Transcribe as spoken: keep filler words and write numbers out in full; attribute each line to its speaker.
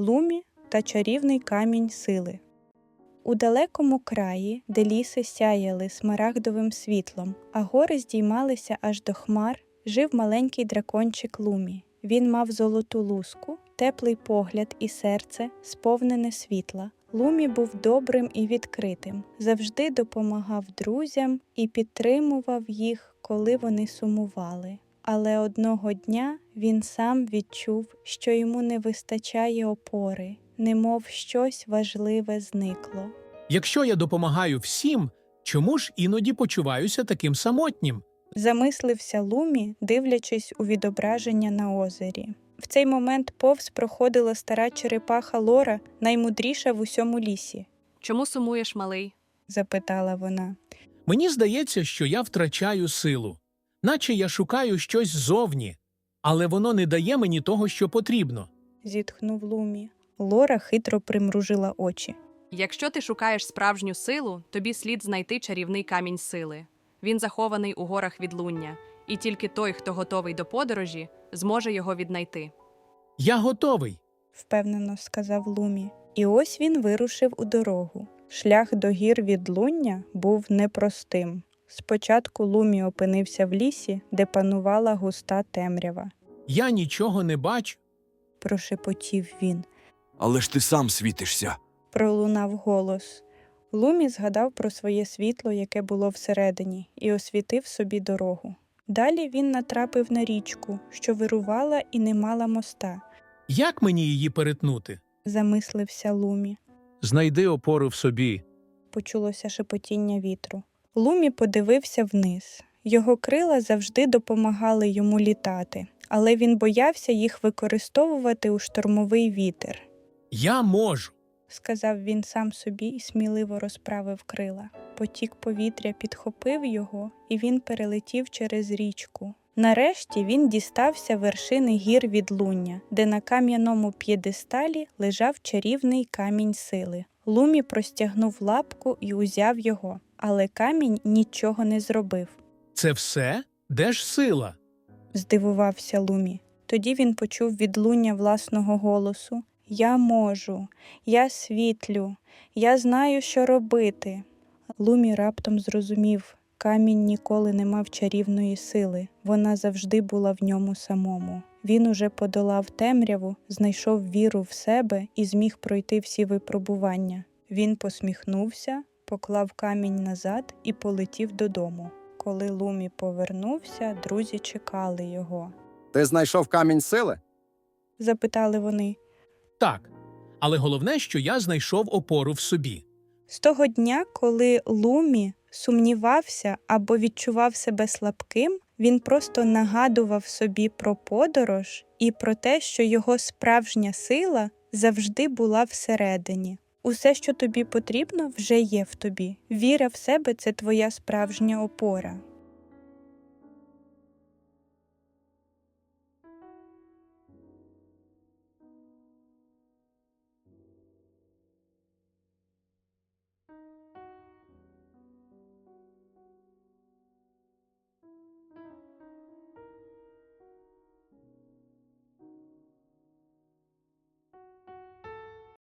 Speaker 1: Лумі та чарівний камінь сили. У далекому краї, де ліси сяяли смарагдовим світлом, а гори здіймалися аж до хмар, жив маленький дракончик Лумі. Він мав золоту луску, теплий погляд і серце, сповнене світла. Лумі був добрим і відкритим, завжди допомагав друзям і підтримував їх, коли вони сумували. Але одного дня він сам відчув, що йому не вистачає опори, немов щось важливе зникло.
Speaker 2: Якщо я допомагаю всім, чому ж іноді почуваюся таким самотнім?
Speaker 1: Замислився Лумі, дивлячись у відображення на озері. В цей момент повз проходила стара черепаха Лора, наймудріша в усьому лісі.
Speaker 3: «Чому сумуєш, малий?»
Speaker 1: – запитала вона.
Speaker 2: Мені здається, що я втрачаю силу. Наче я шукаю щось ззовні, але воно не дає мені того, що потрібно.
Speaker 1: Зітхнув Лумі. Лора хитро примружила очі.
Speaker 3: «Якщо ти шукаєш справжню силу, тобі слід знайти чарівний камінь сили. Він захований у горах відлуння, і тільки той, хто готовий до подорожі, зможе його віднайти».
Speaker 2: Я готовий,
Speaker 1: впевнено сказав Лумі. І ось він вирушив у дорогу. Шлях до гір відлуння був непростим. Спочатку Лумі опинився в лісі, де панувала густа темрява.
Speaker 2: Я нічого не бачу.
Speaker 1: Прошепотів він.
Speaker 4: Але ж ти сам світишся.
Speaker 1: Пролунав голос. Лумі згадав про своє світло, яке було всередині, і освітив собі дорогу. Далі він натрапив на річку, що вирувала і не мала моста.
Speaker 2: Як мені її перетнути?
Speaker 1: Замислився Лумі.
Speaker 2: Знайди опору в собі.
Speaker 1: Почулося шепотіння вітру. Лумі подивився вниз. Його крила завжди допомагали йому літати, але він боявся їх використовувати у штормовий вітер.
Speaker 2: Я можу.
Speaker 1: Сказав він сам собі і сміливо розправив крила. Потік повітря підхопив його, і він перелетів через річку. Нарешті він дістався вершини гір відлуння, де на кам'яному п'єдесталі лежав чарівний камінь сили. Лумі простягнув лапку і узяв його, але камінь нічого не зробив.
Speaker 2: Це все? Де ж сила?
Speaker 1: Здивувався Лумі. Тоді він почув відлуння власного голосу. «Я можу, я світлю, я знаю, що робити». Лумі раптом зрозумів, камінь ніколи не мав чарівної сили, вона завжди була в ньому самому. Він уже подолав темряву, знайшов віру в себе і зміг пройти всі випробування. Він посміхнувся, поклав камінь назад і полетів додому. Коли Лумі повернувся, друзі чекали його.
Speaker 5: «Ти знайшов камінь сили?»
Speaker 1: – запитали вони.
Speaker 2: Так, але головне, що я знайшов опору в собі.
Speaker 1: З того дня, коли Лумі сумнівався або відчував себе слабким, він просто нагадував собі про подорож і про те, що його справжня сила завжди була всередині. Усе, що тобі потрібно, вже є в тобі. Віра в себе – це твоя справжня опора.